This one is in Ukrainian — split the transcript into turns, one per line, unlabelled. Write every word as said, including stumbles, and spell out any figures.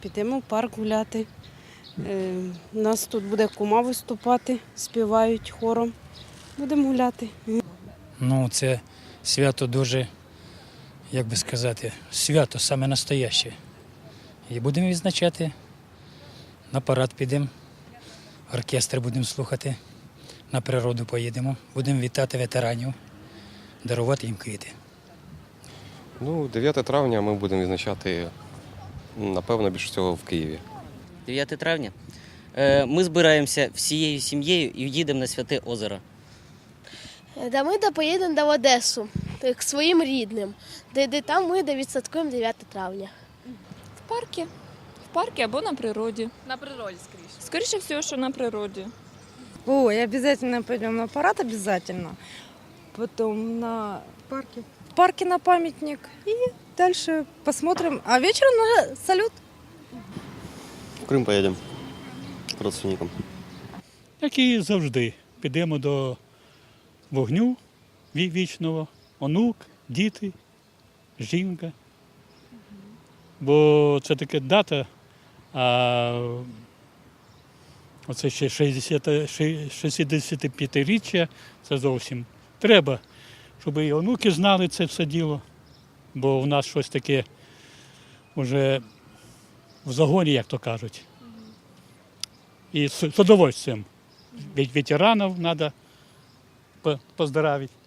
підемо в парк гуляти. У нас тут буде кума виступати, співають хором. Будемо гуляти.
Ну, це свято дуже, як би сказати, свято саме настояще. І будемо відзначати, на парад підемо, оркестр будемо слухати, на природу поїдемо, будемо вітати ветеранів, дарувати їм квіти.
Ну, дев'яте травня ми будемо відзначати, напевно, більше всього в Києві.
дев'яте травня. Е, Ми збираємося всією сім'єю і їдемо на Святе озеро.
Да ми да поїдемо до Одесу, к своїм рідним, де, де там ми да відсвяткуємо дев'яте травня.
В парку. В парку або на природі.
На природі, скоріше.
Скоріше всього, що на природі.
Ой, обязательно пойдем на парад, обязательно. Потом на парке. В парке на памятник. И дальше посмотрим. А вечером на салют.
В Крим поїдемо к родственникам.
Як і завжди. Підемо до вогню ві- вічного, онук, діти, жінка. Бо це така дата, а оце ще шістдесятип'ятиріччя, це зовсім треба, щоб і онуки знали це все діло, бо в нас щось таке вже в загоні, як то кажуть. І з з удовольствием. Ведь ветеранів треба поздравити.